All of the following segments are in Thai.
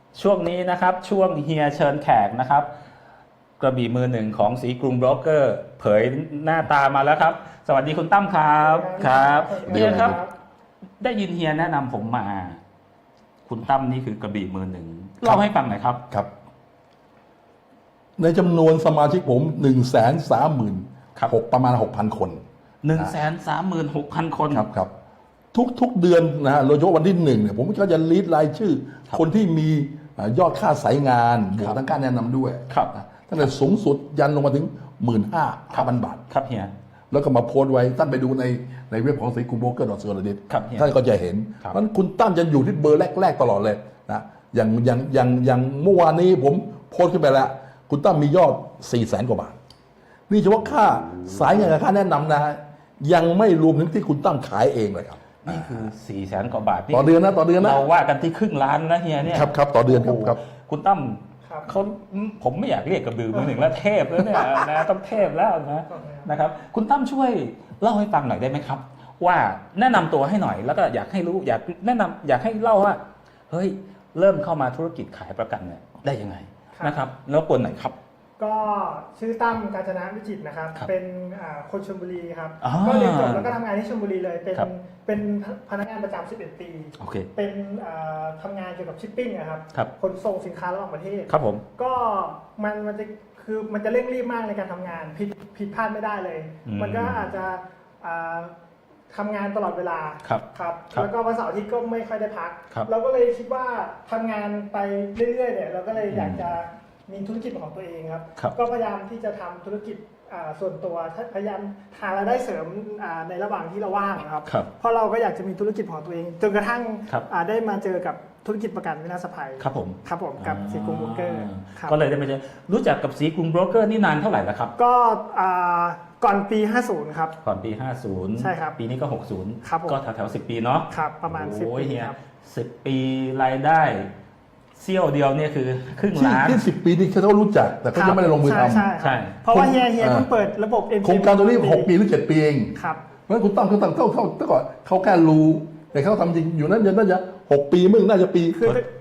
ช่วงนี้นะครับช่วงเฮียเชิญแขกนะครับกระบี่มือหนึ่งของสีกรุงโบรกเกอร์เผยหน้าตามาแล้วครับสวัสดีคุณตั้มครับครับเฮียครับได้ยินเฮียแนะนำผมมาคุณตั้มนี่คือกระบี่มือหนึ่งเล่าให้ฟังหน่อยครับครับในจำนวนสมาชิกผม136,000ประมาณ 6,000 คน 136,000 คนครับทุกเดือนนะฮะโดยเฉพาะวันที่1เนี่ยผมก็จะลีดรายชื่อคนที่มียอดค่าสายงานบวกทั้งการแนะนำด้วยตั้งแต่สูงสุดยันลงมาถึง 15,000 บาทครับเฮียแล้วก็มาโพสต์ไว้ท่านไปดูในเว็บของสีกรุงโบรกเกอร์.co.th ท่านก็จะเห็นมันคุณตั้มจะอยู่ที่เบอร์แรกๆตลอดเลยนะอย่างเมื่อวานนี้ผมโพสต์ขึ้นไปแล้วคุณตั้มมียอด 400,000 กว่าบาทนี่เฉพาะค่าสายงานกับค่าแนะนำนะฮะยังไม่รวมถึงที่คุณตั้มขายเองเลยครับนี่คือ400,000 กว่าบาทต่อเดือนนะเราว่ากันที่ครึ่งล้านนะเฮียเนี่ยครับต่อเดือนครับคุณตั้มเขาผมไม่อยากเรียกกระบือมือหนึ่งแล้วเทพแล้วเนี่ยนะต้องเทพแล้วนะครับคุณตั้มช่วยเล่าให้ฟังหน่อยได้ไหมครับว่าแนะนำตัวให้หน่อยแล้วก็อยากให้รู้อยากให้เล่าว่าเฮ้ยเริ่มเข้ามาธุรกิจขายประกันเนี่ยได้ยังไงนะครับแล้วกวนไหนครับก็ชื่อตั้มกาญจนาวิจิตรนะครับเป็นคนชลบุรีครับก็เรียนจบแล้วก็ทำงานที่ชลบุรีเลยเป็นพนักงานประจำ11 ปีเป็นทำงานเกี่ยวกับชิปปิ้งนะครับขนส่งสินค้าระหว่างประเทศครับผมก็มันจะเร่งรีบมากในการทำงานผิดพลาดไม่ได้เลยมันก็อาจจะทำงานตลอดเวลาครับแล้วก็วันเสาร์อาทิตย์ก็ไม่ค่อยได้พักเราก็เลยคิดว่าทำงานไปเรื่อยๆเนี่ยเราก็เลยอยากจะมีธุรกิจของตัวเองครับก็พยายามที่จะทำธุรกิจส่วนตัวพยายามหารายได้เสริมในระหว่างที่เราว่างครับเพราะเราก็อยากจะมีธุรกิจของตัวเองจนกระทั่งได้มาเจอกับธุรกิจประกันวินาศภัยครับผมกับสีกรุงโบรกเกอร์ก็เลยได้มาเจอรู้จักกับสีกรุงโบรกเกอร์นี่นานเท่าไหร่แล้วครับก็ก่อนปี50ครับก่อนปี50 ใช่ครับปีนี้ก็60ก็แถว10 ปีเนาะครับประมาณ10 ปีครับ10 ปีรายได้เซี่ยวเดียวเนี่ยคือครึ่งล้านที่10 ปีนี่เขารู้จักแต่เขายังไม่ได้ลงมือทำใช่เพราะว่าเฮียเพิ่งเปิดระบบโครงการตัวนี้6 ปีหรือ7 ปีเองครับเพราะฉะนั้นคุณตั้มเขาก่อนเขาแค่รู้แต่เขาทำจริงอยู่นั้นน่าจะ6 ปีมึงน่าจะปี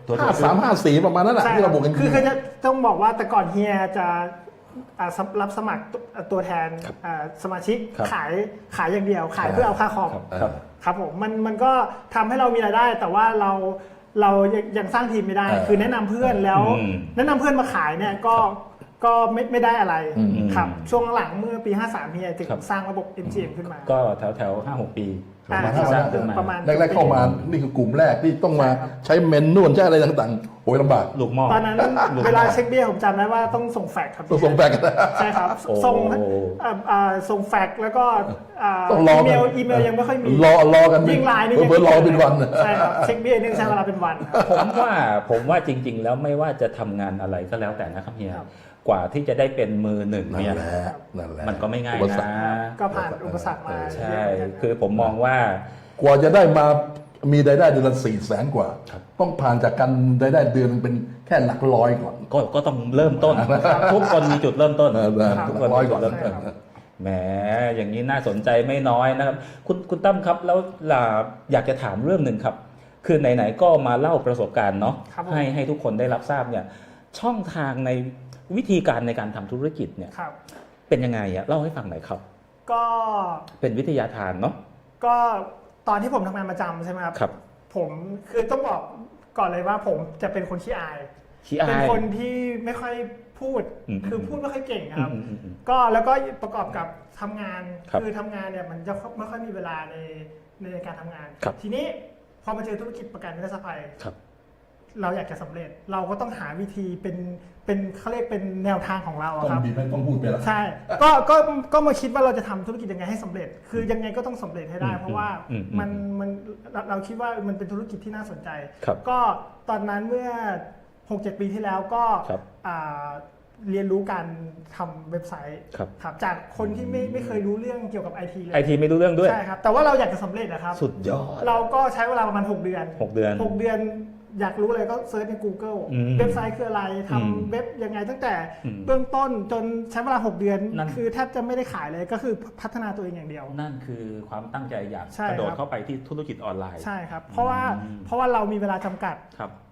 53 54ประมาณนั้นแหละที่เราบอกกันคือจะต้องบอกว่าแต่ก่อนเฮียจะรับสมัครตัวแทนสมาชิกขายอย่างเดียวขายเพื่อเอาค่าคอมครับผมมันก็ทำให้เรามีรายได้แต่ว่าเรายังสร้างทีมไม่ได้คือแนะนำเพื่อนแล้วแนะนำเพื่อนมาขายเนี่ยก็ไม่ได้อะไรครับช่วงหลังเมื่อปี53เฮียจึงสร้างระบบ MGM ขึ้นมาก็แถว 5-6 ปีประมาณแรกๆเข้ามานี่คือกลุ่มแรกที่ต้องมาใช้เมนนวลใช้อะไรต่างๆโอยลำบากลูกหม้อตอนนั้นเวลาเช็คเบี้ยผมจำได้ว่าต้องส่งแฟกซ์ครับส่งแฟกซ์ใช่ครับส่งแฟกซ์แล้วก็อีเมลยังไม่ค่อยมีรอกันยิ่งไลน์นี่เบอร์รอเป็นวันใช่ครับเช็คเบี้ยนี่ใช้เวลาเป็นวันผมว่าจริงๆแล้วไม่ว่าจะทำงานอะไรก็แล้วแต่นะครับเฮียกว่าที่จะได้เป็นมือหนึ่งเนี่ยมันก็ไม่ง่ายนะก็ผ่านอุปสรรคมาใช่คือผมมองว่ากว่าจะได้มามีรายได้เดือนละ400,000 กว่าต้องผ่านจากการรายได้เดือนเป็นแค่หลักร้อยก่อนก็ต้องเริ่มต้นทุกคนมีจุดเริ่มต้นทุกคนมีจุดเริ่มต้นแหมอย่างนี้น่าสนใจไม่น้อยนะครับคุณตั้มครับแล้วอยากจะถามเรื่องหนึ่งครับคือไหนๆก็มาเล่าประสบการณ์เนาะให้ทุกคนได้รับทราบเนี่ยช่องทางในวิธีการในการทำธุรกิจเนี่ยเป็นยังไงอะเล่าให้ฟังหน่อยครับก็เป็นวิทยาทานเนาะก็ตอนที่ผมทำงานประจำใช่ไหมครับผมคือต้องบอกก่อนเลยว่าผมจะเป็นคนขี้อายเป็นคนที่ไม่ค่อยพูดคือพูดไม่ค่อยเก่งครับก็แล้วก็ประกอบกับทำงานคือทำงานเนี่ยมันจะไม่ค่อยมีเวลาในการทำงานทีนี้พอมาเจอธุรกิจประกันวินาศภัยเราอยากจะสำเร็จเราก็ต้องหาวิธีเป็นเขาเรียกเป็นแนวทางของเราครับต้องพูดไปแล้วใช่ก็มาคิดว่าเราจะทำธุรกิจยังไงให้สำเร็จคือยังไงก็ต้องสำเร็จให้ได้เพราะว่ามันเราคิดว่ามันเป็นธุรกิจที่น่าสนใจก็ตอนนั้นเมื่อ 6-7 ปีที่แล้วก็เรียนรู้การทำเว็บไซต์ครับจากคนที่ไม่เคยรู้เรื่องเกี่ยวกับ IT เลย IT ไม่รู้เรื่องด้วยใช่ครับแต่ว่าเราอยากจะสำเร็จนะครับสุดยอดเราก็ใช้เวลาประมาณ6 เดือนอยากรู้อะไรก็เซิร์ชใน Google เว็บไซต์คืออะไรทำเว็บยังไงตั้งแต่เบื้องต้นจนใช้เวลา6 เดือนคือแทบจะไม่ได้ขายเลยก็คือพัฒนาตัวเองอย่างเดียวนั่นคือความตั้งใจอยากกระโดดเข้าไปที่ธุรกิจออนไลน์ใช่ครับเพราะว่าเรามีเวลาจำกัด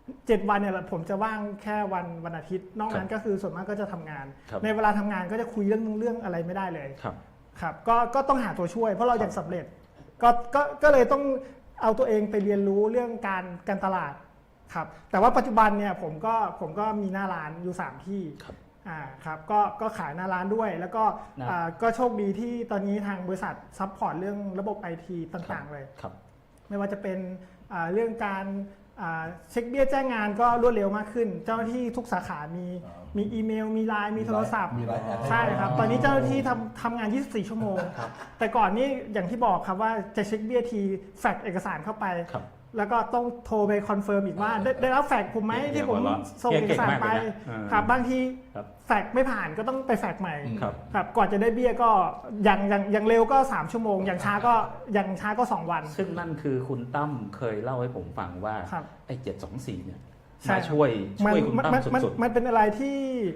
7 วันเนี่ยผมจะว่างแค่วันอาทิตย์นอกนั้นก็คือส่วนมากก็จะทำงาน ในเวลาทำงานก็จะคุยเรื่องอะไรไม่ได้เลยครับก็ต้องหาตัวช่วยเพราะเราอยากสำเร็จก็เลยต้องเอาตัวเองไปเรียนรู้เรื่องการตลาดครับแต่ว่าปัจจุบันเนี่ยผมก็มีหน้าร้านอยู่3ที่ครับก็ขายหน้าร้านด้วยแล้วก็โชคดีที่ตอนนี้ทางบริษัทซัพพอร์ตเรื่องระบบ IT ต่างๆเลยไม่ว่าจะเป็นเรื่องการเช็คเบี้ยแจ้งงานก็รวดเร็วมากขึ้นเจ้าหน้าที่ทุกสาขามีอีเมลมีไลน์มีโทรศัพท์ใช่ครับตอนนี้เจ้าหน้าที่ทำงาน 24 ชั่วโมงแต่ก่อนนี้อย่างที่บอกครับว่าจะเช็คเบี้ยทีแฟกซ์เอกสารเข้าไปแล้วก็ต้องโทรไปคอนเฟิร์มอีกว่าได้รับแฟกซ์ผมไหมที่ผมส่งเอกสารไปครับบางทีแฟกซ์ไม่ผ่านก็ต้องไปแฟกซ์ใหม่ครับก่อนจะได้เบี้ยก็อย่างเร็วก็3 ชั่วโมงอย่างช้าก็2 วันซึ่งนั่นคือคุณตั้มเคยเล่าให้ผมฟังว่าไอ้724เนี่ยมาช่วยคุณตั้มสุดๆมันเป็นอะไรที่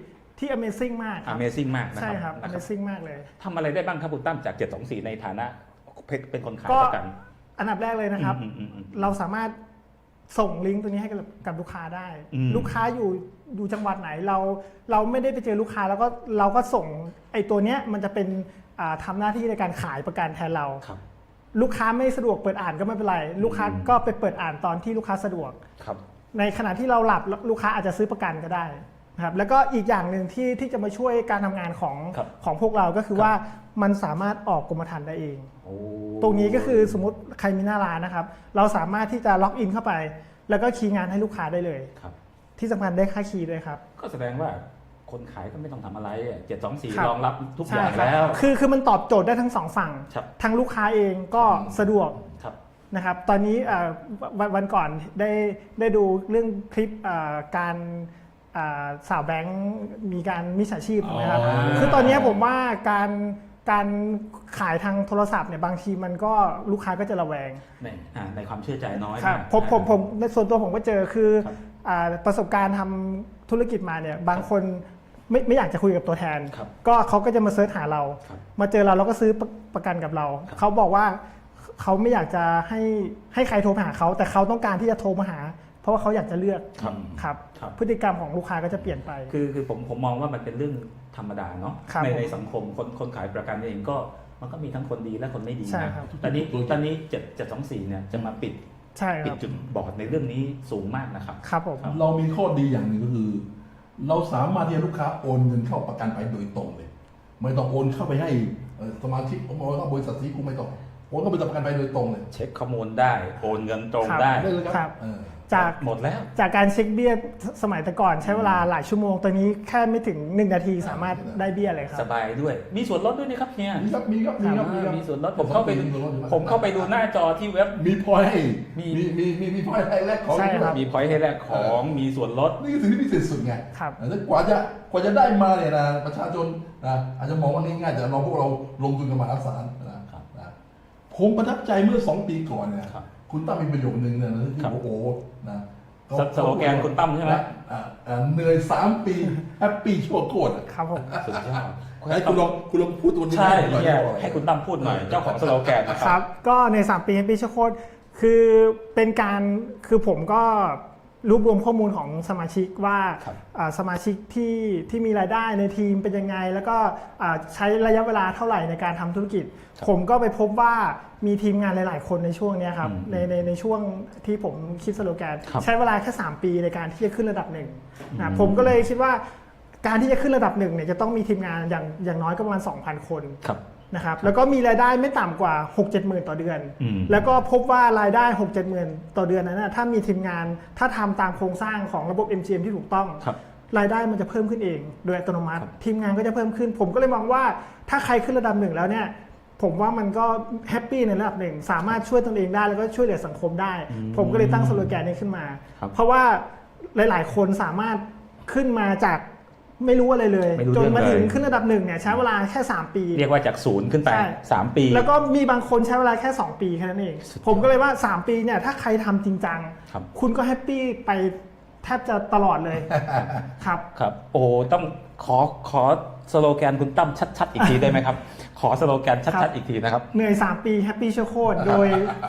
Amazing มาก Amazing มากนะครับใช่ครับ Amazing มากเลยทำอะไรได้บ้างครับคุณตั้มจาก724ในฐานะเป็นคนขายประกันอันดับแรกเลยนะครับเราสามารถส่งลิงก์ตัวนี้ให้กับลูกค้าได้ลูกค้าอยู่จังหวัดไหนเราไม่ได้ไปเจอลูกค้าแล้วก็เราก็ส่งไอ้ตัวเนี้ยมันจะเป็นทำหน้าที่ในการขายประกันแทนเราลูกค้าไม่สะดวกเปิดอ่านก็ไม่เป็นไรลูกค้าก็ไปเปิดอ่านตอนที่ลูกค้าสะดวกในขณะที่เราหลับลูกค้าอาจจะซื้อประกันก็ได้ครับแล้วก็อีกอย่างหนึ่งที่จะมาช่วยการทำงานของพวกเราก็คือว่ามันสามารถออกกรมธรรม์ได้เองตรงนี้ก็คือสมมติใครมีหน้าร้านนะครับเราสามารถที่จะล็อกอินเข้าไปแล้วก็คีย์งานให้ลูกค้าได้เลยที่สำคัญได้ค่าคีย์ด้วยครับก็แสดงว่าคนขายก็ไม่ต้องทำอะไร724รองรับทุกอย่างแล้วคือมันตอบโจทย์ได้ทั้ง2 ฝั่งทั้งลูกค้าเองก็สะดวกนะครับตอนนี้วันก่อนได้ดูเรื่องคลิปการสาวแบงค์มีการมิจฉาชีพนะครับคือตอนนี้ผมว่าการขายทางโทรศัพท์เนี่ยบางทีมันก็ลูกค้าก็จะระแวงในความเชื่อใจน้อยครับผมในส่วนตัวผมก็เจอคือประสบการณ์ทำธุรกิจมาเนี่ยบางคนไม่อยากจะคุยกับตัวแทนก็เขาก็จะมาเสิร์ชหาเรามาเจอเราแล้วก็ซื้อประกันกับเราเขาบอกว่าเขาไม่อยากจะให้ใครโทรมาหาเขาแต่เขาต้องการที่จะโทรมาหาเพราะว่าเขาอยากจะเลือกครับพฤติกรรมของลูกค้าก็จะเปลี่ยนไปคือผมมองว่ามันเป็นเรื่องธรรมดาเนาะในสังคมคนขายประกันเองก็มันก็มีทั้งคนดีและคนไม่ดีนะตอนนี้724เนี่ยจะมาปิดจุดบอดในเรื่องนี้สูงมากนะครับครับผมเรามีข้อดีอย่างหนึ่งก็คือเราสามารถที่จะลูกค้าโอนเงินเข้าประกันไปโดยตรงเลยไม่ต้องโอนเข้าไปให้สมาชิกโอนเข้าบริษัทที่กูไม่ต้องโอนเข้าไปประกันไปโดยตรงเลยเช็คข้อมูลได้โอนเงินตรงได้ครับจากหมดแล้วจากการเช็คเบี้ยสมัยแต่ก่อนใช้เวลาหลายชั่วโมงตอนนี้แค่ไม่ถึง1 นาทีสามารถได้เบี้ยเลยครับสบายด้วยมีส่วนลดด้วยนะครับเนี่ยมีส่วนลดผมเข้าไปดูหน้าจอที่เว็บมีพอยต์ให้มีพอยต์ให้แลกของมีพอยต์ให้แลกของมีส่วนลดนี่คือสิ่งที่พิเศษสุดไงแล้วกว่าจะได้มาเนี่ยนะประชาชนนะอาจจะมองว่าง่ายแต่เราพวกเราลงทุนกันมหาศาลนะผมประทับใจเมื่อ2 ปีก่อนเนี่ยคุณตั้มมีประโยคนึงเนี่ยนะที่โอ้นะสโลแกนคุณตั้มใช่ไหมเหนื่อย3 ปีแฮปปี้ชั่วโคตรครับผมสุดยอดให้คุณลองพูดตัวนี้ใช่ให้คุณตั้มพูดหน่อยเจ้าของสโลแกนนะครับก็ใน3 ปีแฮปปี้ชั่วโคตรคือเป็นการคือผมก็รวบรวมข้อมูลของสมาชิกว่าสมาชิกที่มีรายได้ในทีมเป็นยังไงแล้วก็ใช้ระยะเวลาเท่าไหร่ในการทำธุรกิจผมก็ไปพบว่ามีทีมงานหลายๆคนในช่วงนี้ครับในช่วงที่ผมคิดสโลแกนใช้เวลาแค่3 ปีในการที่จะขึ้นระดับ1นะผมก็เลยคิดว่าการที่จะขึ้นระดับ1เนี่ยจะต้องมีทีมงานอย่างน้อยก็ประมาณ 2,000 คนนะครับแล้วก็มีรายได้ไม่ต่ำกว่า 6-7 หมื่นต่อเดือนแล้วก็พบว่ารายได้ 6-7 หมื่นต่อเดือนนั้นนะถ้ามีทีมงานถ้าทำตามโครงสร้างของระบบ MGM ที่ถูกต้องรายได้มันจะเพิ่มขึ้นเองโดยอัตโนมัติทีมงานก็จะเพิ่มขึ้นผมก็เลยมองว่าถ้าใครขึ้นระดับ1แล้วเนี่ยผมว่ามันก็แฮปปี้ในระดับหนึ่งสามารถช่วยตนเองได้แล้วก็ช่วยเหลือสังคมได้ผมก็เลยตั้งสโลแกนนี้ขึ้นมาเพราะว่าหลายๆคนสามารถขึ้นมาจากไม่รู้อะไรเลยจนมาถึงขึ้นระดับ1เนี่ยใช้เวลาแค่3 ปีเรียกว่าจาก0ขึ้นไป3 ปีแล้วก็มีบางคนใช้เวลาแค่2 ปีแค่นั้นเองผมก็เลยว่า3 ปีเนี่ยถ้าใครทำจริงจังคุณก็แฮปปี้ไปแทบจะตลอดเลยครับโอ้ต้องขอสโลแกนคุณตั้มชัดๆอีกทีได้ไหมครับขอสโลแกนชัดๆอีกทีนะครับเหนื่อย3 ปีแฮปปี้ชั่วโคตรโดย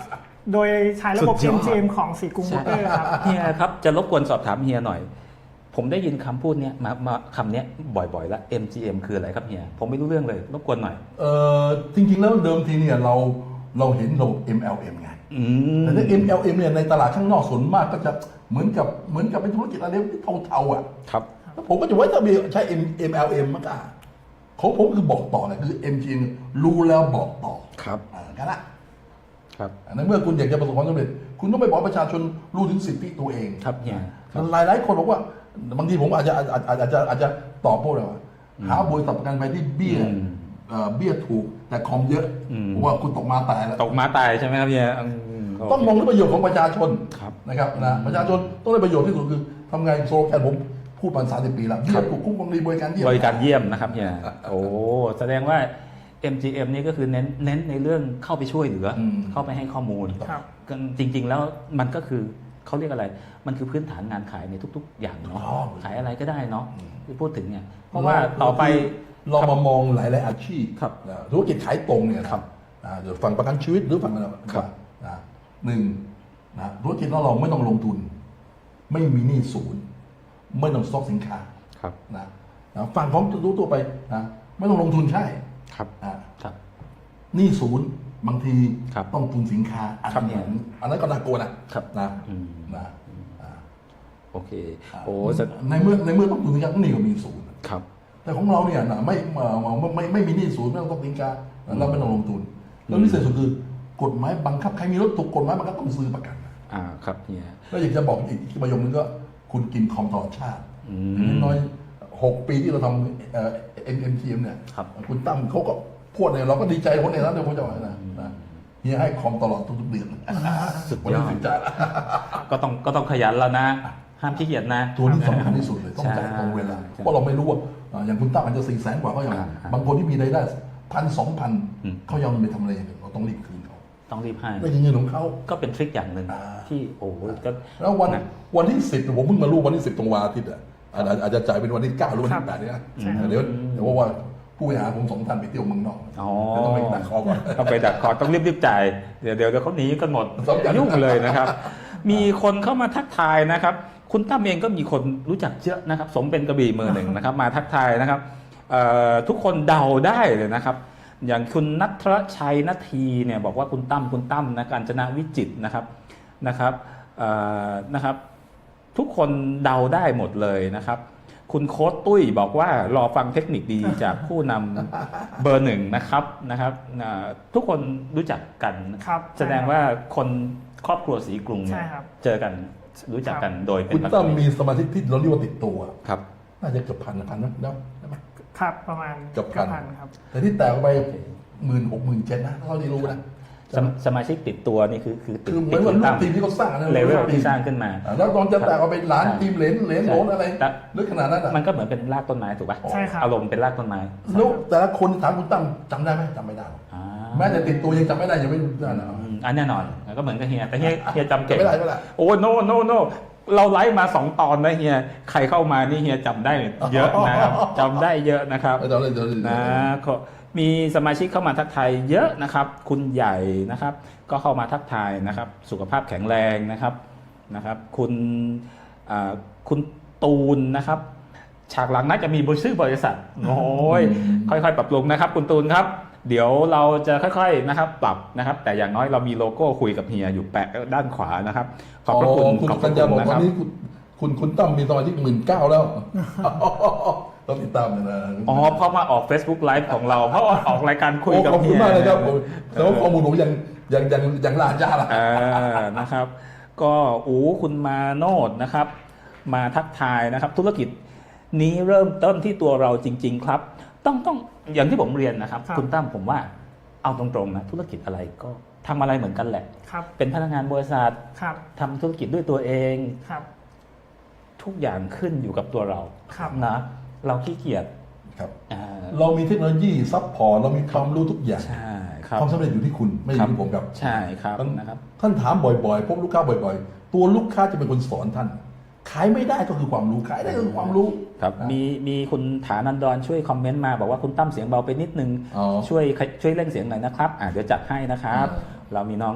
โดยใช้ระบบสุดยอด MGM ของสีกรุงโบรกเกอร์ครับเฮียครับจะรบกวนสอบถามเฮียหน่อย ผมได้ยินคำพูดเนี้ยมาคำเนี้ยบ่อยๆแล้ว MGM คืออะไรครับเฮียผมไม่รู้เรื่องเลยรบกวนหน่อยจริงๆแล้วเดิมทีเนี่ยเราเห็นระบบ MLM ไงแต่ถ้า MLM เนี่ยในตลาดข้างนอกส่วนมากก็จะเหมือนกับเป็นธุรกิจอะไรที่เทาๆอ่ะครับแล้วผมก็จะไว้ถ้ามีใช้ MLM มันก็ของผมคือบอกต่อเลยคือ MGM รู้แล้วบอกต่อครับกันนะครับ ในเมื่อคุณอยากจะประสบความสำเร็จคุณต้องไปบอกประชาชนรู้ถึงสิทธิตัวเองครับเฮียหลายคนบอกว่าบางทีผมอาจจะตอบพวกเราว่าหาบริษัทประกันภัยที่เบี้ยถูกแต่คอมเยอะเพราะว่าคุณตกมาตายแล้วตกมาตายใช่ไหมครับเฮียต้องมองถึงประโยชน์ของประชาชนครับนะครับนะประชาชนต้องได้ประโยชน์ที่สุดคือทำไงโซโลแกนผมพูดมา30 ปีแล้วเบี้ยถูกคุ้มครองดีบริการเยี่ยมบริการเยี่ยมนะครับเฮียโอ้แสดงว่า MGM นี่ก็คือเน้นในเรื่องเข้าไปช่วยเหลือเข้าไปให้ข้อมูลครับจริงๆแล้วมันก็คือเขาเรียกอะไร มันคือพื้นฐานงานขายในทุก ๆ อย่างเนาะขายอะไรก็ได้เนาะที่พูดถึงเนี่ยเพราะว่าต่อไปเรามามองหลายๆอาชีพครับธุรกิจขายตรงเนี่ยนะครับเดี๋ยวฝั่งประกันชีวิตหรือฝั่งอะไรครับหนึ่งธุรกิจเราไม่ต้องลงทุน ไม่มีหนี้ศูนย์ไม่ต้องสต็อกสินค้าครับนะฝั่งของรู้ตัวไปไม่ต้องลงทุนใช่ครับครับหนี้ศูนย์บางทีครับต้องทุนสินค้าอันนั้นก็น่ากลัวนะครับนะโอเคโอ้ในเมื่อต้องทุนสินค้าต้องหนี้ก็มีศูนย์ครับแต่ของเราเนี่ยไม่มีหนี้ศูนย์ไม่ต้องสินค้าเราไม่ต้องลงทุนแล้วพิเศษสุดคือกฎหมายบังคับใครมีรถถูกกฎหมายบังคับต้องซื้อประกันครับเฮียแล้วอยากจะบอกอีกประโยคนึงก็คุณกินคอมตลอดชาติน้อย6 ปีที่เราทำMGM เนี่ยคุณตั้มเขาก็พูดเนี่ยเราก็ดีใจคนในนั้นเลยผมจะว่านะเฮียให้คอมตลอดทุกๆเดือนสุดยอดก็ต้องขยันแล้วนะห้ามขี้เกียจนะตัวนี้สำคัญที่สุดเลยต้องจ่ายตรงเวลาเพราะเราไม่รู้ว่าอย่างคุณตั้มอาจจะ400,000 กว่าเขาอย่างบางคนที่มีรายได้1,000-2,000เขายังไม่ทำอะไรอย่างอื่นเราต้องรีบคืนเขาต้องรีบให้ไม่ใช่เงินของเขาก็เป็นทริคอย่างหนึ่งที่โอ้ก็แล้ววันที่10ผมเพิ่งมารู้วันที่10ตรงวันอาทิตย์อาจจะจ่ายเป็นวันที่9หรือวันที่8เนี่ยเดี๋ยวว่าผู้บริหารผม2 ท่านไปเที่ยวเมืองนอกต้องไปดักคอก่อนต้องไปดักคอต้องรีบจ่ายเดี๋ยวเขาหนีกันหมดยุ่งเลยนะครับ มีคนเข้ามาทักทายนะครับ คุณตั้มเองก็มีคนรู้จักเยอะนะครับสมเป็นกระบี่มือหนึ่งนะครับมาทักทายนะครับทุกคนเดาได้เลยนะครับ อย่างคุณณัฐชัยนาทีเนี่ยบอกว่าคุณตั้มนะกาญจนาวิจิตรนะครับทุกคนเดาได้หมดเลยนะครับ คุณโค้ดตุ้ยบอกว่ารอฟังเทคนิคดีจากผู้นำเบอร์หนึ่งนะครับทุกคนรู้จักกันแสดงว่าคนครอบครัวสีกรุงเจอกันรู้จักกันโดยเป็นคุณตั้มมีสมาชิกที่เราเรียกว่าติดตัวครับน่าจะเกือบพันนะได้ไหมครับประมาณเกือบพันครับแต่ที่แตกไป16,000-17,000นะเท่าที่รู้นะสมาชิกติดตัวนี่คือเหมือนว่าลูกทีมที่เขาสร้างนะเลเวลที่สร้างขึ้นมาแล้วตอนจะแตกเอาไปล้านทีมเหรียญโหนอะไรลึกขนาดนั้นอ่ะมันก็เหมือนเป็นรากต้นไม้ถูกป่ะใช่ครับอารมณ์เป็นรากต้นไม้แล้วแต่ละคนถามคุณตั้มจำได้ไหมจำไม่ได้แม้แต่ติดตัวยังจำไม่ได้ยังไม่รู้ได้นะแน่นอนก็เหมือนกับเฮียแต่เฮียจำเก่งไม่ได้โอ้โนเราไลฟ์มา2 ตอนนะเฮียใครเข้ามานี่เฮียจำได้เยอะนะครับจำได้เยอะนะครับนะมีสมาชิกเข้ามาทักทายเยอะนะครับคุณใหญ่นะครับก็เข้ามาทักทายนะครับสุขภาพแข็งแรงนะครับคุณตูนนะครับฉากหลังน่าจะมีชื่อบริษัทโอ้ยค่อยๆปรับปรุงนะครับคุณตูนครับเดี๋ยวเราจะค่อยๆนะครับปรับนะครับแต่อย่างน้อยเรามีโลโก้คุยกับเฮียอยู่แปะด้านขวานะครับขอบพระคุณคุณกัญญาบอกตอนนี้คุณตั้มมีสมาชิก19,000แล้วต้องติดตามเลยนะเพราะมาออก Facebook Live ของเราเพราะออกรายการคุยกับเฮียขอบคุณมากเลยครับแต่ว่าข้อมูลผมยังลาจ้าละนะครับก็คุณมาโนดนะครับมาทักทายนะครับธุรกิจนี้เริ่มต้นที่ตัวเราจริงๆครับต้องอย่างที่ผมเรียนนะครับคุณตั้มผมว่าเอาตรงๆนะธุรกิจอะไรก็ทำอะไรเหมือนกันแหละเป็นพนักงานบริษัททำธุรกิจด้วยตัวเองทุกอย่างขึ้นอยู่กับตัวเรานะเราขี้เกียจเรามีเทคโนโลยีซัพพอร์ตเรามีความรู้ทุกอย่างความสำเร็จอยู่ที่คุณไม่อยู่ที่ผมครับใช่ครับนะครับท่านถามบ่อยๆพบลูกค้าบ่อยๆตัวลูกค้าจะเป็นคนสอนท่านขายไม่ได้ก็คือความรู้ขายได้ก็คือความรู้ครับมีคุณฐานันดรช่วยคอมเมนต์มาบอกว่าคุณตั้มเสียงเบาไปนิดนึงช่วยเร่งเสียงหน่อยนะครับเดี๋ยวจัดให้นะครับเรามีน้อง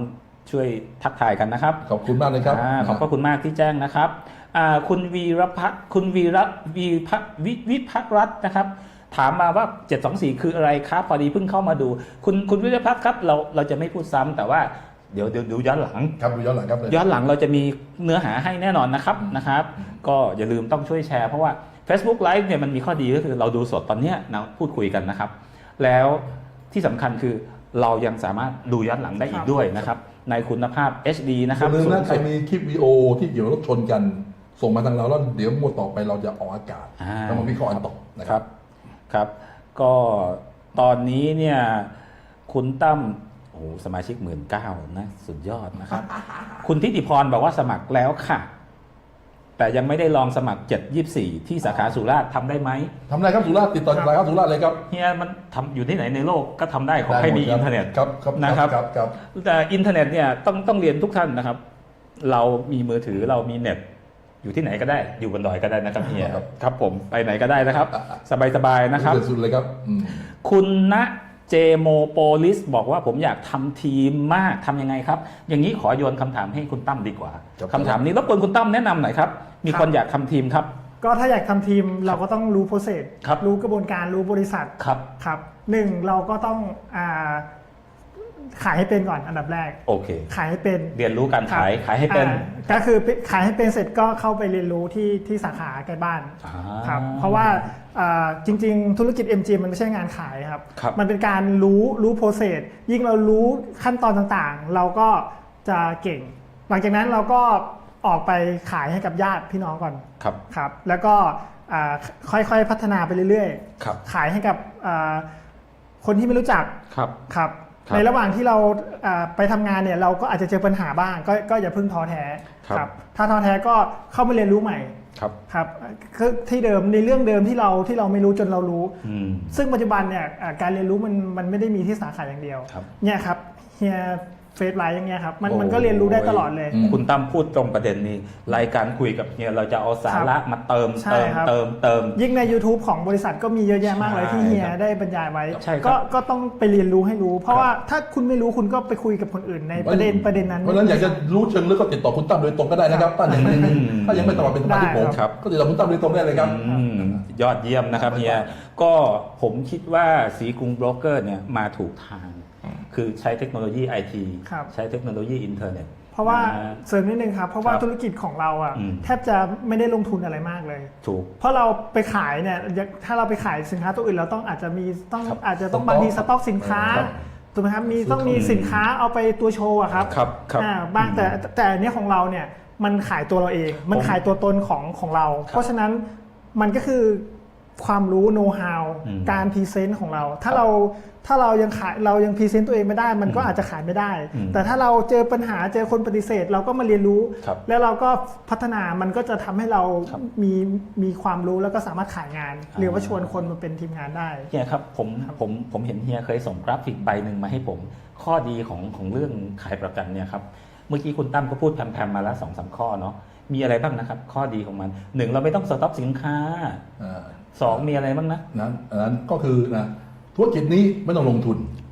ช่วยทักทายกันนะครับขอบคุณมากเลยครับขอบพระคุณมากที่แจ้งนะครับคุณวีรพัฒน์คุณวิภักรัตน์นะครับถามมาว่า 724 คืออะไรครับพอดีเพิ่งเข้ามาดูคุณวิรพัฒน์ครับเราจะไม่พูดซ้ำแต่ว่าเดี๋ยวดูย้อนหลังครับดูย้อนหลังครับย้อนหลังเราจะมีเนื้อหาให้แน่นอนนะครับก็อย่าลืมต้องช่วยแชร์เพราะว่า Facebook Live เนี่ยมันมีข้อดีก็คือเราดูสดตอนเนี้ยนะพูดคุยกันนะครับแล้วที่สำคัญคือเรายังสามารถดูย้อนหลังได้อีกด้วยนะครับในคุณภาพ HD นะครับอย่าลืมนะใครมีคลิปวิดีโอที่เกี่ยวกับรถชนกันส่งมาทางเราแล้วเดี๋ยวงวดต่อไปเราจะออกอากาศแล้วมาวิเคราะห์กันต่อนะครับครับก็ตอนนี้เนี่ยคุณตั้มโอ้สมาชิก19,000นะสุดยอดนะครับ คุณทิติพรบอกว่าสมัครแล้วค่ะแต่ยังไม่ได้ลองสมัคร 724 ที่สาขาสุราษฎร์ทำได้ไหมทำได้ครับสุราษฎร์ติดต่อสาขาสุราษฎร์เลยครับเฮียมันทำอยู่ที่ไหนในโลกก็ทำได้ขอให้มีอินเทอร์เน็ตครับนะครับครับแต่อินเทอร์เน็ตเนี่ยต้องเรียนทุกท่านนะครับ เรามีมือถือเรามีเน็ตอยู่ที่ไหนก็ได้อยู่บนดอยก็ได้นะครับเฮียครับผมไปไหนก็ได้นะครับ สบายๆนะครับสุดเลยครับคุณณเจโมโปลิสบอกว่าผมอยากทำทีมมากทำยังไงครับ อย่างนี้ขอโยนคำถามให้คุณตั้มดีกว่าคำถามนี้รบกวนคุณตั้มแนะนำหน่อยครับมีคนอยากทำทีมครับก็ถ้าอยากทำทีมเราก็ต้องรู้โปรเซสรู้กระบวนการรู้บริษัทครับหนึ่งเราก็ต้องขายให้เป็นก่อนอันดับแรกโอเคขายให้เป็นเรียนรู้การขายให้เป็นก็คือขายให้เป็นเสร็จก็เข้าไปเรียนรู้ที่สาขาใกล้บ้านครับเพราะว่าจริงๆธุรกิจ MG มันไม่ใช่งานขายครับมันเป็นการรู้โปรเซสยิ่งเรารู้ขั้นตอนต่างๆเราก็จะเก่งหลังจากนั้นเราก็ออกไปขายให้กับญาติพี่น้องก่อนครับแล้วก็ค่อยๆพัฒนาไปเรื่อยๆขายให้กับคนที่ไม่รู้จักครับในระหว่างที่เราไปทำงานเนี่ยเราก็อาจจะเจอปัญหาบ้างก็อย่าเพิ่งท้อแท้ครับถ้าท้อแท้ก็เข้ามาเรียนรู้ใหม่ครับที่เดิมในเรื่องเดิมที่เราไม่รู้จนเรารู้ซึ่งปัจจุบันเนี่ยการเรียนรู้มันไม่ได้มีที่สาขาอย่างเดียวเนี่ยครับเฮียเฟซไลน์อย่างเงี้ยครับมันก็เรียนรู้ได้ตลอดเลยคุณตั้มพูดตรงประเด็นนี้รายการคุยกับเฮียเราจะเอาสาระมาเติมยิ่งใน YouTube ของบริษัทก็มีเยอะแยะมากเลยที่เฮียได้บรรยายไว้ก็ต้องไปเรียนรู้ให้รู้เพราะว่าถ้าคุณไม่รู้คุณก็ไปคุยกับคนอื่นในประเด็นนั้นเพราะฉะนั้นอยากจะรู้เชิงลึกก็ติดต่อคุณตั้มโดยตรงก็ได้นะครับถ้ายังไม่สมัครเป็นสมาชิกผมก็ติดต่อคุณตั้มโดยตรงได้เลยครับยอดเยี่ยมนะครับเฮียก็ผมคิดว่าสีกรุงโบรกเกอร์เนี่ยมาถูกทางคือใช้เทคโนโลยีไอทีใช้เทคโนโลยีอินเทอร์เน็ตเพราะว่าเสริมนิดนึงครับเพราะว่าธุรกิจของเราอ่ะแทบจะไม่ได้ลงทุนอะไรมากเลยถูกเพราะเราไปขายเนี่ยถ้าเราไปขายสินค้าตัวอื่นเราต้องอาจจะต้องบางทีสต็อกสินค้าถูกไหมครับต้องมีสินค้าเอาไปตัวโชว์อะครับบ้างแต่เนี้ยของเราเนี่ยมันขายตัวเราเองมันขายตัวตนของเราเพราะฉะนั้นมันก็คือความรู้โน้ตฮาวการพรีเซนต์ของเราถ้าเรายังพรีเซนต์ตัวเองไม่ได้มันก็อาจจะขายไม่ได้แต่ถ้าเราเจอปัญหาเจอคนปฏิเสธเราก็มาเรียนรู้แล้วเราก็พัฒนามันก็จะทำให้เรามีความรู้แล้วก็สามารถขายงานหรือว่าชวนคนมาเป็นทีมงานได้เฮียครับผมเห็นเฮียเคยส่งกราฟิกใบหนึ่งมาให้ผมข้อดีของเรื่องขายประกันเนี่ยครับเมื่อกี้คุณตั้มก็พูดแพมๆมาแล้ว 2-3 ข้อเนาะมีอะไรบ้างนะครับข้อดีของมัน1เราไม่ต้องสต็อกสินค้า2มีอะไรบ้างนะนั้นก็คือนะธุรกิจนี้ไม่ต้องลงทุน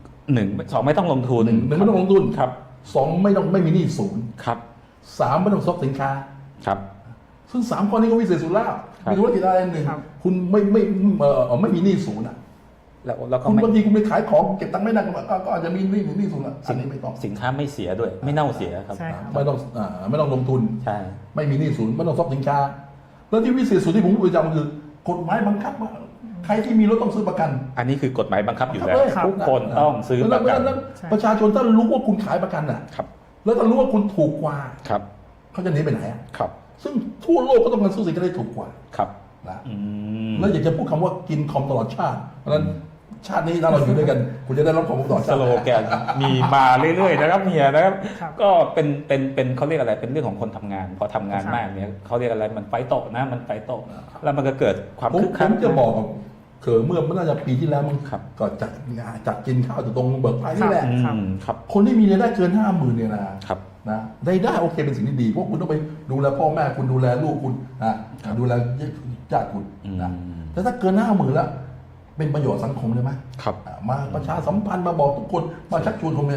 2ไม่ต้องลงทุน 1ไม่ต้องลงทุนครับ2ไม่มีหนี้ศูนย์ครับ 3ไม่ต้องสต็อกสินค้าครับซึ่ง3ข้อนี้ก็วิเศษสุดแล้วมีธุรกิจอะไรหนึ่งคุณไม่มีหนี้ศูนย์อ่ะแล้วก็คุณบางทีคุณไปขายของเก็บตังค์ไม่ได้ก็อาจจะมีหนี้ศูนย์อันนี้ไม่ต้องสินค้าไม่เสียด้วยไม่เน่าเสียครับไม่ต้องลงทุนใช่ไม่มีหนี้ศูนย์ไม่ต้องสต็อกสินค้าแล้วที่วิเศษสุดที่ผมพูดประจำคือกฎหมายบังคับว่าใครที่มีรถต้องซื้อประกันอันนี้คือกฎหมายบังคับอยู่แล้วทุกคนต้องซื้อประกันประชาชนถ้ารู้ว่าคุณขายประกันอ่ะแล้วถ้ารู้ว่าคุณถูกกว่าเขาจะหนีไปไหนอ่ะซึ่งทั่วโลกก็ต้องการซื้อสินค้าได้ถูกกว่านะแล้วอยากจะพูดคำว่ากินคอมตลอดชาติเพราะฉะนั้นชาตินี้ถ้าเราอยู่ด้วยกันคุณจะได้รับความตลอดชาติสโลแกนมีมาเรื่อยๆนะครับเฮียนะครับก็เป็นเขาเรียกอะไรเป็นเรื่องของคนทำงานพอทำงานมากเนี่ยเขาเรียกอะไรมันไฟโตนะมันไฟโตแล้วมันก็เกิดความคึกคักผมจะบอกเมื่อน่าจะปีที่แล้วมันก็จัดกินข้าวตรงเบิกไฟนี่แหละคนที่มีรายได้เกิน 50,000 เนี่ยนะได้โอเคเป็นสิ่งที่ดีเพราะคุณต้องไปดูแลพ่อแม่คุณดูแลลูกคุณนะดูแลญาติคุณนะแต่ถ้าเกิน 50,000 แล้วเป็นประโยชน์สังคมเลยไหมมาประชาสัมพันธ์มาบอกทุกคนมาชักชวนคนเนี่ย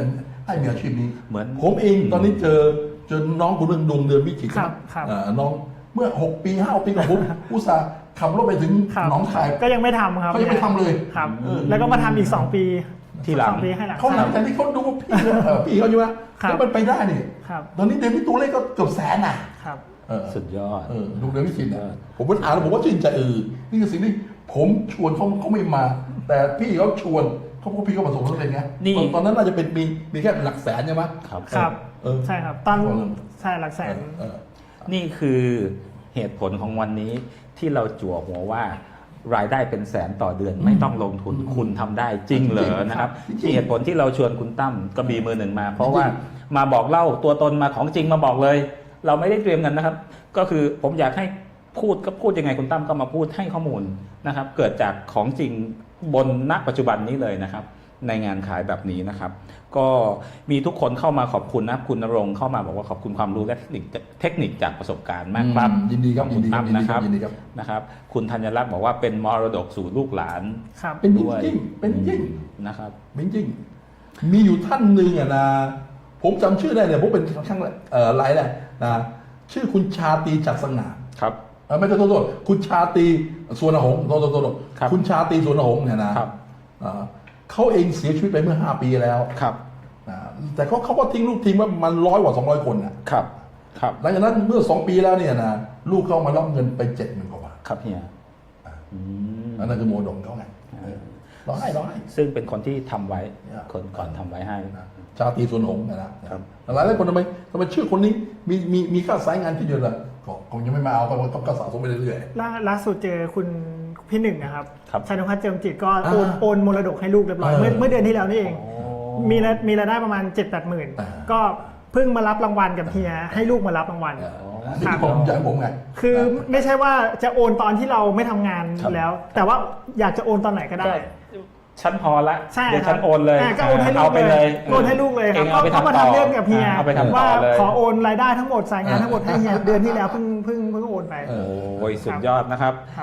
ให้มีอาชีพนี้เหมือนผมเองตอนนี้เจอน้องคนหนึงดวงเดือนวิจิตรครับครับน้องเมื่อ6 ปี5 ปีกับผม อุตส่าห์ขับรถไปถึงครับหนองคายก็ยังไม่ทำครับเขายังไม่ทำเลยครับ แล้วก็มาทำอีก 2 ปีที่หลัง 2 ปีให้หลังเขาหลังจากที่เขาดูว่าพี่พี่เขาอยู่ว่าครับแล้วมันไปได้นี่ครับตอนนี้เดวิดตัวเลขก็เกือบแสนน่ะครับสุดยอดดวงเดือนวิจิตรผมก็อ่านแล้วผมก็ชื่นใจนี่คือสิ่งที่ผมชวนเขาไม่มา แต่พี่เขาชวนเขาพี่เขาประสบความสำเร็จไงนี่ตอนนั้นน่าจะเป็นมีแค่หลักแสนใช่ไหมครับครับใช่ใช่ครับตอนใช่หลักแสนนี่คือเหตุผลของวันนี้ที่เราจั่วหัวว่ารายได้เป็นแสนต่อเดือนไม่ต้องลงทุนคุณทำได้จริงเหรอนะครับที่เหตุผลที่เราชวนคุณตั้มกระบี่มือหนึ่งมา เพราะว่ามาบอกเล่าตัวตนมาของจริงมาบอกเลย เราไม่ได้เตรียมกันนะครับ ก็คือผมอยากให้พูดยังไงคุณตั้มก็มาพูดให้ข้อมูลนะครับ เกิดจากของจริงบนณปัจจุบันนี้เลยนะครับ ในงานขายแบบนี้นะครับ ก็มีทุกคนเข้ามาขอบคุณนะคุณณรงค์เข้ามาบอกว่าขอบคุณความรู้และเทคนิคจากประสบการณ์มากครับยินดีครับขอณตั้มนะครับยินดีครับนะครับ คุณธัญลักษณ์บอกว่าเป็นมรดกสู่ลูกหลานครับเป็นจด้วยริงเป็นจริงนะครับเป็นจริงมีอยู่ท่านหนึ่งนะผมจำชื่อได้เนี่ยผมเป็นข้างไลน์แหละนะชื่อคุณชาตรีจัดสง่าครับไม่ใช่โทษคุณชาตรีสวนหงษ์โทษครับคุณชาตรีสวนหงษ์เนี่ยนะครับ เขาเองเสียชีวิตไปเมื่อ5 ปีแล้วครับแต่เขาก็ทิ้งลูกทีมว่ามัน100 กว่า 200 คนนะครับครับหลังจากนั้นเมื่อ2 ปีแล้วเนี่ยนะลูกเขามารับเงินไป70,000 กว่าบาทครับเฮียอันนั้นคือโมดงเขาไงร้องให้ซึ่งเป็นคนที่ทำไว้เนี่ยคนก่อนทำไว้ให้ชาตรีสวนหงษ์นะครับหลายคนทำไมชื่อคนนี้มีค่าสายงานที่เยอะเลยก็คงยังไม่มาเอาก็สะสมไปเรื่อยๆล่าสุดเจอคุณพี่หนึ่งนะครับครับชัยนภัทรเจิมจิตก็โอนมรดกให้ลูกเรียบร้อยเมื่อเดือนที่แล้วนี่เอง มีรายได้ประมาณ 7-8 หมื่นก็เพิ่งมารับรางวัลกับเฮียให้ลูกมารับรางวัลนี่ผมอยากให้ผมไงคือไม่ใช่ว่าจะโอนตอนที่เราไม่ทำงานแล้ว แต่ว่าอยากจะโอนตอนไหนก็ได้ฉันพอละใช่เดี๋ยวครัฉับนโอนเลยก็โอนให้ลูกเอาไปเลยโอนให้ลูกเลยครับเอาไปเขามาทำต่อทำเรื่องกับเฮียเอาไปทำต่ว่าอเลยขอโอนรายได้ทั้งหมดสายงานทั้งหมดให้เฮียเดือนที่แล้วเพิ่งโอนไปโอ้ยสุดยอดนะครับครับ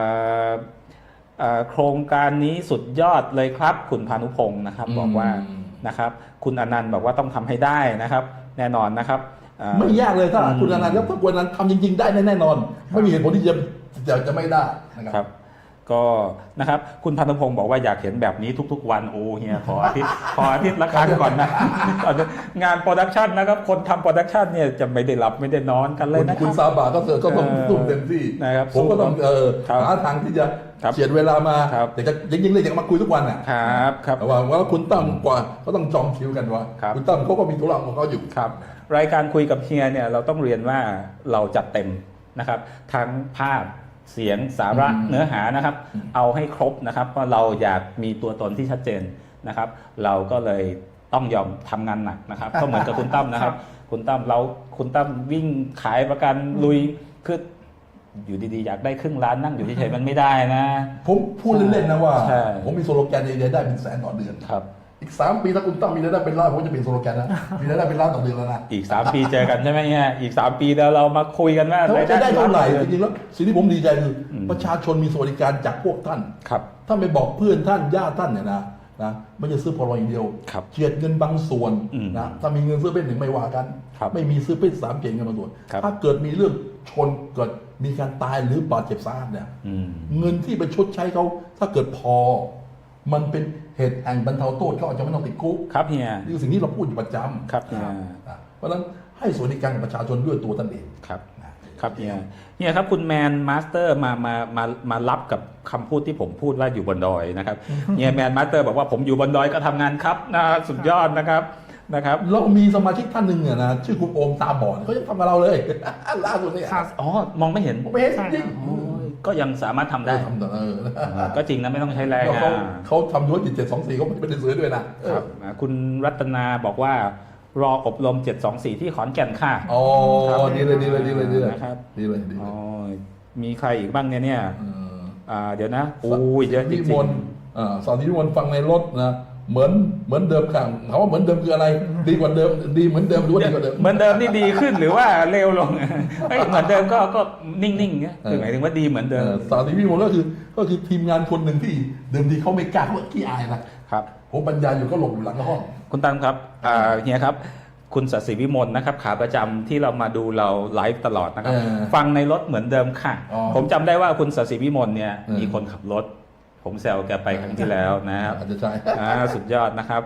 โครงการนี้สุดยอดเลยครับ คุณพานุพงศ์นะครับ บอกว่านะครับ คุณอนันต์บอกว่าต้องทำให้ได้นะครับ แน่นอนนะครับไม่ยากเลยถ้าคุณอนันต์ครับถ้าคุณอนันต์ทำจริงๆได้แน่นอน ไม่มีเหตุผลที่จะไม่ได้นะครับก็นะครับคุณพันธพงศ์บอกว่าอยากเห็นแบบนี้ทุกๆวันโอ้เฮียขออาทิตย์ละครั้งก่อนนะ งานโปรดักชันนะครับคนทำโปรดักชันเนี่ยจะไม่ได้หลับไม่ได้นอนกันเลยนะคคุณรับซาบะก็ต้องทุ่มเต็มที่นะครับผมก็ต้องครับหาทางที่จะครับเฉียดเวลามาครับแต่จะจริงๆเลยอยากมาคุยทุกวันอ่ะครับว่าคุณตั้มกว่าก็ต้องจองคิวกันว่าครับคุณตั้มเขาก็มีธุระของเขาอยู่ครับรายการคุยกับเฮียเนี่ยเราต้องเรียนว่าเราจัดเต็มนะครับทั้งภาพเสียงสาระเนื้อหานะครับ เอาให้ครบนะครับเพราะเราอยากมีตัวตนที่ชัดเจนนะครับ เราก็เลยต้องยอมทำงานหนักนะครับ ก็เหมือนกับคุณตั้มนะครับ คุณตั้มวิ่งขายประกันลุยคืออยู่ดีๆอยากได้ครึ่งล้านนั่งอยู่เฉยๆมันไม่ได้นะผมพูดเล่นๆนะว่าใช่ผมมีโซโลแกนรายได้เป็นแสนต่อเดือนครับอีก3 ปีถ้าคุณตั้มมีรายได้เป็นล้านผมจะเป็นโซโลแกนนะมีรายได้เป็นล้านต่อเดือนแล้วนะอีก3 ปีเจอกันใช่ไหมเนี่ยอีก3 ปีแล้วเรามาคุยกันว่าเขาจะได้เท่าไหร่รยจริงๆแล้วสิ่งที่ผมดีใจคือประชาชนมีสวัสดิการจากพวกท่านครับท่านไปบอกเพื่อนท่านญาติท่านเนี่ยนะไม่จะซื้อพอลอย่างเดียวครับเจียดเงินบางส่วน นะถ้ามีเงินซื้อเป็นหนึ่งไม่ว่ากันครับไม่มีซื้อเป็น3เก่งกันบางส่วนครับถ้าเกิดมีเรื่องชนเกิดมีการตายหรือบาดเจ็บสาหัสเนี่ย เงินที่ไปชดใช้เขาถ้าเกิดพอ มันเป็นเหตุแห่งบรรเทาโทษเขาอาจจะไม่ต้องติดคุกครับเฮียนี่คือสิ่งที่เราพูดอยู่ประจำครับเฮียเพราะฉะนั้นให้สวัสดิการกับประชาชนด้วยตัวท่านเองครับครับเฮียครับคุณแมนมาสเตอร์มารับกับคำพูดที่ผมพูดว่าอยู่บนดอยนะครับเฮียแมนมาสเตอร์บอกว่าผมอยู่บนดอยก็ทำงานครับนะสุดยอดนะครับเรามีสมาชิกท่านหนึ่งเนี่ยนะชื่อคุณโอมตาบอดเขายังทำกับเราเลย ล่าสุดเนี่ยอ๋อมองไม่เห็นผมไม่เห็นจริงโอ้ยก็ยังสามารถทำได้ทำแต่ก็จริงนะไม่ต้องใช้แรงเขาทำยุทธ724เขาไม่ได้ซื้อด้วยนะครับคุณรัตนาบอกว่ารออบรม724ที่ขอนแก่นค่ะอ๋อดีเลยนะครับดีเลยอ๋อมีใครอีกบ้างเนี่ยเดี๋ยวนะโอ้ยเยอะจริงสอนที่มนฟังในรถนะเหมือนเดิมค่ะถามว่าเหมือนเดิมคืออะไร ดีกว่าเดิมดีเหมือนเดิมหรือว่าดีกว่าเดิมเหมือนเดิมนี่ดีขึ้นหรือว่าเลวลงเฮ้ยเหมือนเดิมก็นิ่งๆเนี่ยคือหมายถึงว่าดีเหมือนเดิมสาธิตวิมลก็คือทีมงานคนหนึ่งที่เดิมทีเขาไม่กล้าเขาขี้อายนะครับผมปัญญาอยู่ก็หลบอยู่หลังห้องคุณตั้มครับเฮียครับคุณศศิวิมลนะครับขาประจำที่เรามาดูเราไลฟ์ตลอดนะครับฟังในรถเหมือนเดิมค่ะผมจำได้ว่าคุณศศิวิมลเนี่ยมีคนขับรถผมแซวแกไปครั้งที่แล้วนะครับอาจจะใช่สุดยอดนะครับ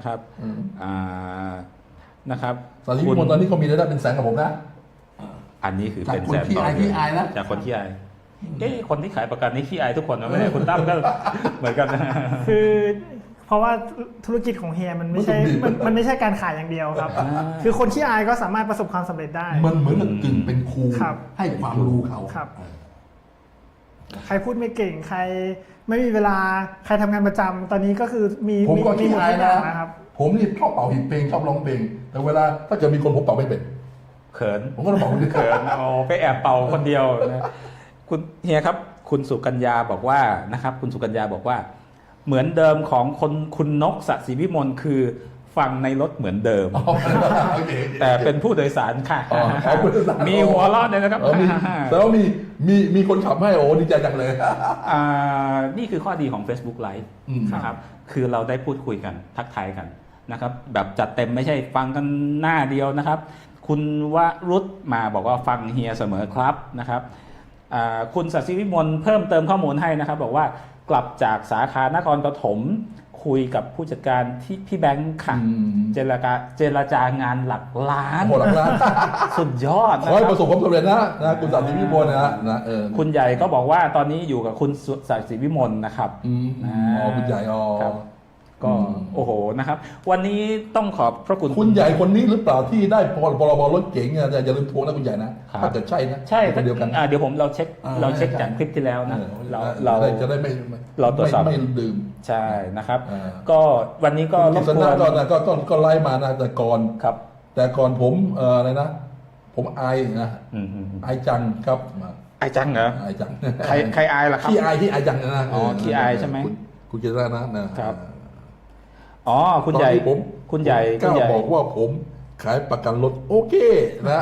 นะครับสาธิตวิมลตอนนี้เขามีรายได้เป็นแสนกับผมนะอันนี้คือเป็นแสนจากคนขี้อายนะจากคนขี้อายคนที่ขายประกันนี่ขี้อายทุกคนนะไม่ใช่คุณตั้มก็เหมือนกันนะคือเพราะว่าธุรกิจของเฮียมันไม่ใช่มันไม่ใช่การขายอย่างเดียวครับ คือคนขี้อายก็สามารถประสบความสำเร็จได้มันเหมือนกับกึ่งเป็นครูครับให้ความรู้เขาครับ ใครพูดไม่เก่งใครไม่มีเวลาใครทำงานประจำตอนนี้ก็คือมีผมก็ขี้หมดอายทุกอย่างนะครับ ผมนี่ชอบเป่าหินเพลงชอบร้องเพลงแต่เวลาถ้าเกิดมีคนผมเป่าไม่เป็นเขินผมก็ต้องเป่าคนเดียวเขินไปแอบเป่าคนเดียวนะคุณเฮียครับคุณสุกัญญาบอกว่านะครับคุณสุกัญญาบอกว่าเหมือนเดิมของคุณนกศศิวิมลคือฟังในรถเหมือนเดิม แต่เป็นผู้โดยสารค่ะมีหัวเราะเลยนะครับแต่ว่ามีคนขับให้โอ้ดีใจจังเลยนี่คือข้อดีของ Facebook Live นะครับคือเราได้พูดคุยกันทักทายกันนะครับแบบจัดเต็มไม่ใช่ฟังกันหน้าเดียวนะครับคุณวรุษมาบอกว่าฟังเฮียเสมอครับนะครับคุณศศิวิมลเพิ่มเติมข้อมูลให้นะครับบอกว่ากลับจากสาขานครปฐมคุยกับผู้จัดการที่พี่แบงค์ค่ะเจรจางานหลักล้านหลักล้านสุดยอดนะขอให้คปรับระสบความสำเร็จนะคุณศศิวิมลนะคุณใหญ่ก็บอกว่าตอนนี้อยู่กับคุณศศิวิมลนะครับคุณใหญ่ก็โอ้โหนะครับวันนี้ต้องขอบพระคุณใหญ่คนนี้หรือเปล่าที่ได้พรบรถเก๋งอย่าลืมทวงนะคุณใหญ่นะถ้าเกิดใช่นะใช่คนเดียวกันเดี๋ยวเราเช็คจากคลิปที่แล้วนะเราจะได้เราตรวจสอบไม่ดื่มใช่นะครับก็วันนี้ก็รบกวนก็ไล่มานะแต่ก่อนผมอะไรนะผมอายนะอายจังครับอายจังเหรออายจังใครอายล่ะครับขี้อายจังนะขี้อายใช่ไหมคุณเจริญนะครับคุณใหญ่คุณใหญ่ก็บอกว่าผมขายประกันรถโอเคนะ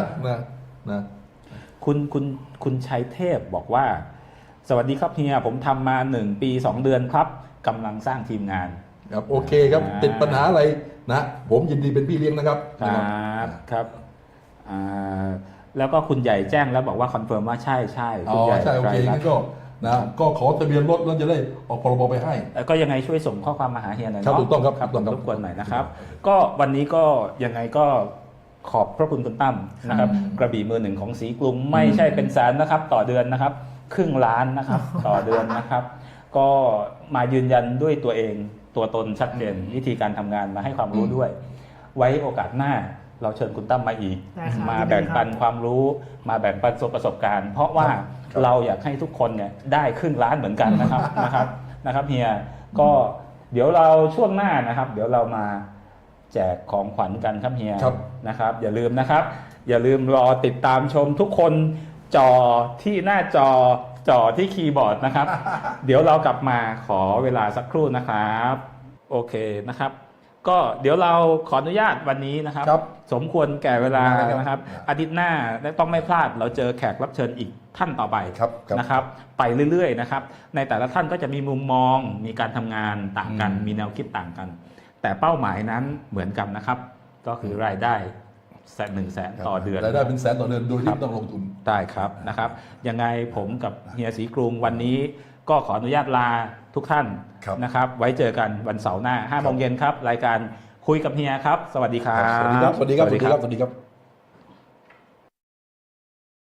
คุณชัยเทพบอกว่าสวัสดีครับเฮียผมทำมา1 ปี 2 เดือนครับกำลังสร้างทีมงานครับโอเคครับติดปัญหาอะไรนะผมยินดีเป็นพี่เลี้ยงนะครับครับแล้วก็คุณใหญ่แจ้งแล้วบอกว่าคอนเฟิร์มว่าใช่คุณใหญ่ใช่โอเคงั้นก็ขอทะเบียนรถแล้วจะได้ออกพรบไปให้ก็ยังไงช่วยส่งข้อความมาหาเฮียหน่อยครับถูกต้องครับรบกวนหน่อยนะครับก็วันนี้ก็ยังไงก็ขอบพระคุณคุณตั้มนะครับกระบี่มือหนึ่งของสีกรุงไม่ใช่เป็นแสนนะครับต่อเดือนนะครับครึ่งล้านนะครับต่อเดือนนะครับก็มายืนยันด้วยตัวเองตัวตนชัดเจนวิธีการทำงานมาให้ความรู้ด้วยไว้โอกาสหน้าเราเชิญคุณตั้มมาอีกมาแบ่งปันความรู้มาแบ่งปันประสบการณ์เพราะว่าเราอยากให้ทุกคนเนี่ยได้ครึ่งล้านเหมือนกันนะครับเฮียก็เดี๋ยวเราช่วงหน้านะครับเดี๋ยวเรามาแจกของขวัญกันครับเฮียนะครับอย่าลืมนะครับอย่าลืมรอติดตามชมทุกคนจอที่หน้าจอที่คีย์บอร์ดนะครับ เดี๋ยวเรากลับมาขอเวลาสักครู่นะครับโอเคนะครับก็เดี๋ยวเราขออนุญาตวันนี้นะครับสมควรแก่เวลานะครับอาทิตย์หน้าต้องไม่พลาดเราเจอแขกรับเชิญอีกท่านต่อไปนะครับไปเรื่อยๆนะครับในแต่ละท่านก็จะมีมุมมองมีการทำงานต่างกันมีแนวคิดต่างกันแต่เป้าหมายนั้นเหมือนกันนะครับก็คือรายได้100,000ต่อเดือนรายได้เป็นแสนต่อเดือนโดยที่ไม่ต้องลงทุนได้ครับนะครับยังไงผมกับเฮียศรีกรุงวันนี้ก็ขออนุญาตลาทุกท่านนะครับไว้เจอกันวันเสาร์หน้า 5 โมงเย็นครับรายการคุยกับเฮียครับสวัสดีครับสวัสดีครับ